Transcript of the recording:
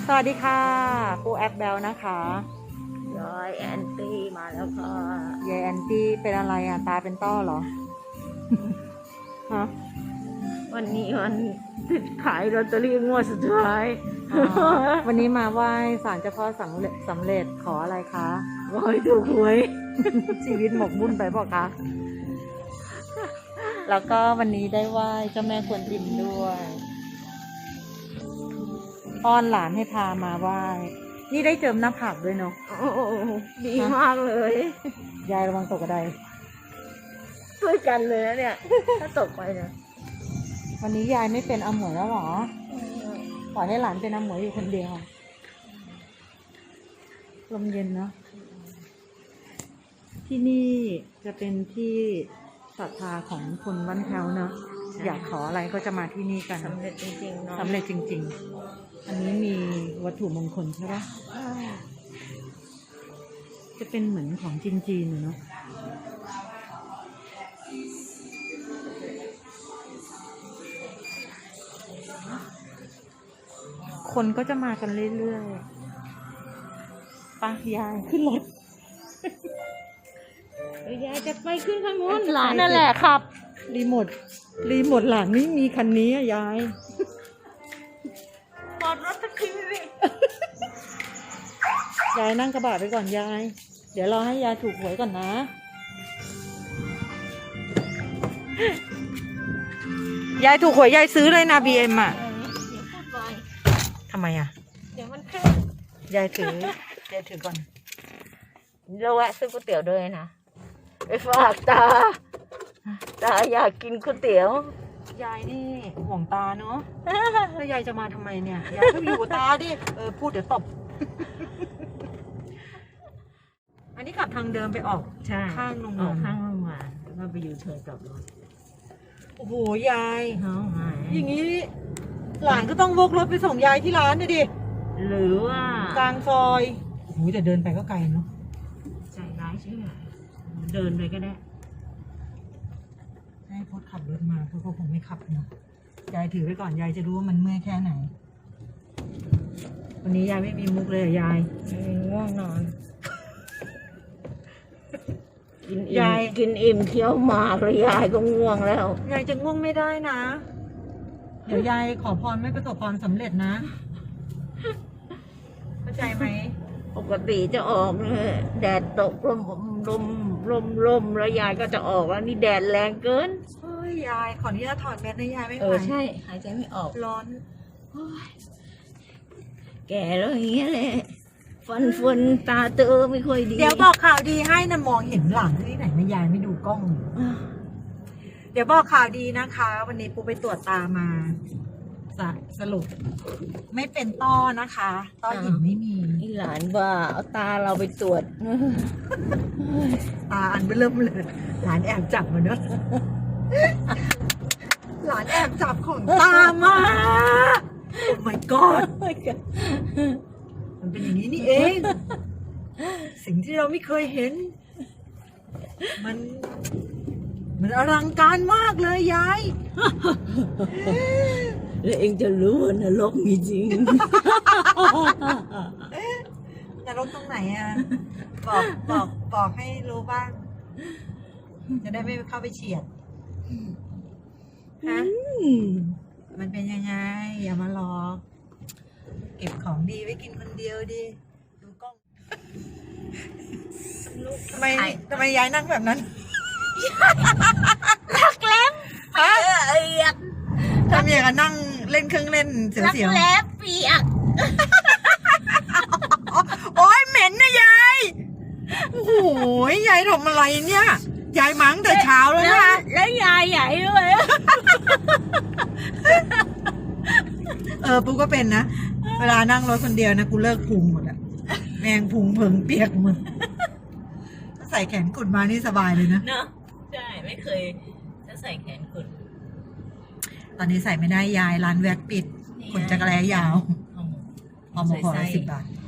สวัสดีค่ะปูแอปเบลนะคะยายแอนตี้มาแล้วค่ะยายแอนตี้เป็นอะไรอ่ะตาเป็นต้อเหรอ ฮะวันนี้วันขายลอตเตอรี่งวดสุดท้ายวันนี้มาไหว้ศาลเจ้าพ่อสำเร็จขออะไรคะขอให้ถูกหวยชีวิตหมกมุ่นไปบอกคะแล้วก็วันนี้ได้ไหว้เจ้าแม่กวนอิมด้วยอ้อนหลานให้พามาไหว้นี่ได้เจิมหน้าผากด้วยเนาะโอ้โหดีมากเลยยายระวังตกกระไดช่วยกันเลยนะเนี่ย ถ้าตกไปนะวันนี้ยายไม่เป็นอาหมวยแล้วหรอปล่อยให้หลานเป็นอาหมวยอยู่คนเดียวลมเย็นเนาะที่นี่จะเป็นที่ศรัทธาของคนบ้านแถวเนาะอยากขออะไรก็จะมาที่นี่กันสำเร็จจริงๆเนาะสำเร็จจริงๆอันนี้มีวัตถุมงคลใช่ปะจะเป็นเหมือนของจีนๆเนาะคนก็จะมากันเรื่อยๆไปยายขึ้นรถยายจะไปขึ้นข้างนู้นหลานนั่นแหละครับรีโมทหลานไม่มีคันนี้อะยายปอดรถสักทีสิยายนั่งกระบะไปก่อนยาย เดี๋ยวรอให้ยายถูกหวยก่อนนะ ยายถูกหวยยายซื้อเลยนะบีเอ็มอ่ะเดี๋ยวพูดไปทำไมอ่ะเดี๋ยวมันขึ้นยายถือก่อนเราแวะซื้อก๋วยเตี๋ยวด้วยนะไปฝากตาอยากกินก๋วยเตี๋ยวยายนี่ห่วงตาเนาะ แล้วยายจะมาทำไมเนี่ย ยายก็อยู่กับตาดิ พูดเดี๋ยวตบ อันนี้ขับทางเดิมไปออกใช่ข้างโรงออกงานข้างโรงงานแล้วก็ไปอยู่เชิญกลับรถโอ้โหยายเขาหายอย่างนี้หลานก็ต้องวกรถไปส่งยายที่ร้านนะดิหรือว่ากลางซอยโอ้โหแต่เดินไปก็ไกลเนาะใจร้ายใช่ไหมเดินไปก็ได้ให้พดขับรถมาเพราะเขาคงไม่ขับเนาะยายถือไว้ก่อนยายจะรู้ว่ามันเมื่อยแค่ไหน วันนี้ยายไม่มีมุกเลยอะยายง่วงนอน กินยาอิ่ยมกินอิ่มเคี้ยวหมากแล้วยายก็ง่วงแล้วยายจะง่วงไม่ได้นะ เดี๋ยวยายขอพรไม่ประสบความสำเร็จนะ เข้าใจไหมปกติจะออกเลยแดดตกลมแล้วยายก็จะออกแล้วนี่แดดแรงเกินเฮ้ยยายขออนุญาตถอดแมสนะยายไม่ไหวใช่หายใจไม่ออกร้อนแก่แล้วอย่างเงี้ยแหละฟันตาเตอไม่ค่อยดีเดี๋ยวบอกข่าวดีให้นะมองเห็นหลังที่ไหนนะยายไม่ดูกล้อง เดี๋ยวบอกข่าวดีนะคะ วันนี้ปูไปตรวจตามาสรุป ไม่เป็นต้อนะคะ ต้อหินไม่มีนี่หลานว่าเอาตาเราไปตรวจตาอันเริ่มเลยหลานแอบจับมาเนอะหลานแอบจับของตามาโอ้ my god มันเป็นอย่างนี้นี่เอง สิ่งที่เราไม่เคยเห็น มันอลังการมากเลยยายแล้วเองจะรู้ว่านรกมีจริงนรกตรงไหนอ่ะ บอกให้รู้บ้าง จะได้ไม่เข้าไปเฉียดฮะมันเป็นยังไง อย่ามาหลอก เก็บของดีไว้กินคนเดียวดิ ดูกล้อง ทำไมยายนั่งแบบนั้นรักแล้ฮะทำอย่างกับนั่งเล่นเครื่องเล่นเสียวรักแล้เปียกๆ โอ๊ยเหม็นนะยาย โอ้โหยายทำอะไรเนี่ย ยายมั้งแต่เช้าแล้วนะแล้วยายใหญ่ด้วยปูก็เป็นนะ เวลานั่งรถคนเดียวนะกูเลิกพุงหมดอะแมงพุงเพิงเปียกหมดถ้าใส่แขนกุดมานี่สบายเลยนะเนอะใช่ไม่เคยจะใส่แขนกุดตอนนี้ใส่ไม่ได้ยายร้านแว็กปิดขนจักรแร้ยาว พอมาขอ10 บาท